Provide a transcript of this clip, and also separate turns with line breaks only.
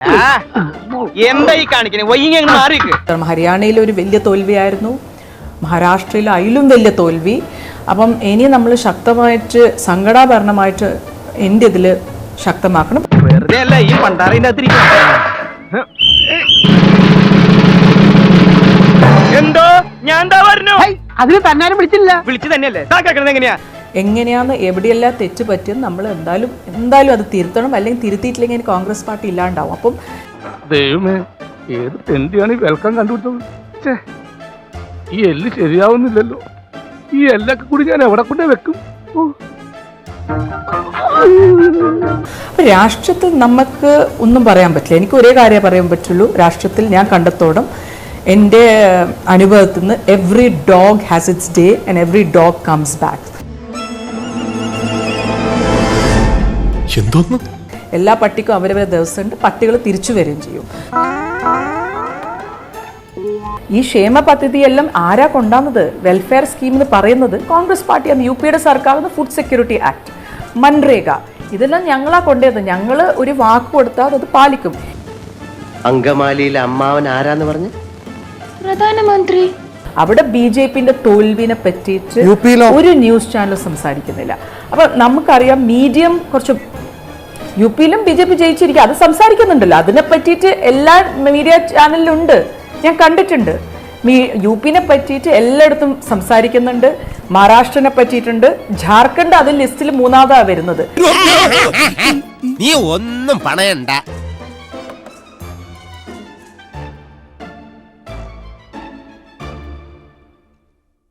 എന്തായി കാണിക്കണേ?
ഹരിയാനയിൽ ഒരു വലിയ തോൽവിയായിരുന്നു, മഹാരാഷ്ട്രയിൽ അതിലും വലിയ തോൽവി. അപ്പം ഇനി നമ്മൾ ശക്തമായിട്ട് സംഘടനാപരമായിട്ട് എൻ്റെ ഇതിൽ ശക്തമാക്കണം.
വെറുതെ അല്ല ഈ പണ്ടാറിന്റെ എന്തോ ഞാൻ പറഞ്ഞു
അതിന് തന്നാരും വിളിച്ചില്ല.
വിളിച്ചു തന്നെയല്ലേ കേൾക്കണത്?
എങ്ങനെയാന്ന് എവിടെയെല്ലാം തെറ്റ് പറ്റിയെന്ന് നമ്മൾ എന്തായാലും അത് തിരുത്തണം. അല്ലെങ്കിൽ തിരുത്തിയിട്ടില്ലെങ്കിൽ കോൺഗ്രസ് പാർട്ടി ഇല്ലാണ്ടാവും. അപ്പം
ദൈവമേ, ഏത് തെണ്ടിയാണ് ഈ വെൽക്കം കണ്ടുപിടിച്ചത്? ഈ എല്ല് ശരിയാവുന്നില്ലല്ലോ. ഈ എല്ലൊക്കെ കൂടി ഞാൻ എവിടെ കൊണ്ടേ വെക്കും?
രാഷ്ട്രത്തിൽ നമുക്ക് ഒന്നും പറയാൻ പറ്റില്ല. എനിക്ക് ഒരേ കാര്യം പറയാൻ പറ്റുള്ളൂ. രാഷ്ട്രത്തിൽ ഞാൻ കണ്ടെത്തോളം എൻ്റെ അനുഭവത്തിൽ നിന്ന് every dog has its day and every dog comes back. എല്ലാ പട്ടിക്കും അവരവരെ ദിവസമുണ്ട്. പട്ടികൾ തിരിച്ചു വരികയും ചെയ്യും. ഈ ക്ഷേമ പദ്ധതിയെല്ലാം ആരാ കൊണ്ടാകുന്നത്? വെൽഫെയർ സ്കീം എന്ന് പറയുന്നത് കോൺഗ്രസ് പാർട്ടിയാണ്. UP-യുടെ സർക്കാർ ഫുഡ് സെക്യൂരിറ്റി ആക്ട്, മൻരേഗ, ഇതെല്ലാം ഞങ്ങളാ കൊണ്ടുവരുന്നത്. ഞങ്ങൾ ഒരു വാക്ക് കൊടുത്താൽ അത് പാലിക്കും.
അങ്കമാലിയിലെ അമ്മാവൻ ആരാന്ന് പറഞ്ഞു?
പ്രധാനമന്ത്രി.
അവിടെ BJP-ന്റെ തോൽവിനെ പറ്റിയിട്ട് ഒരു ന്യൂസ് ചാനൽ സംസാരിക്കുന്നില്ല. അപ്പൊ നമുക്കറിയാം മീഡിയം കുറച്ച് UP-യിലും BJP ജയിച്ചിരിക്കുക, അത് സംസാരിക്കുന്നുണ്ടല്ലോ. അതിനെ പറ്റിയിട്ട് എല്ലാ മീഡിയ ചാനലിലും ഉണ്ട്, ഞാൻ കണ്ടിട്ടുണ്ട്. UP-നെ പറ്റിയിട്ട് എല്ലായിടത്തും സംസാരിക്കുന്നുണ്ട്. മഹാരാഷ്ട്രനെ പറ്റിയിട്ടുണ്ട്. ജാർഖണ്ഡ് അതിൽ ലിസ്റ്റിൽ 3-ാമതാ വരുന്നത്.
നീ ഒന്നും പണയണ്ട.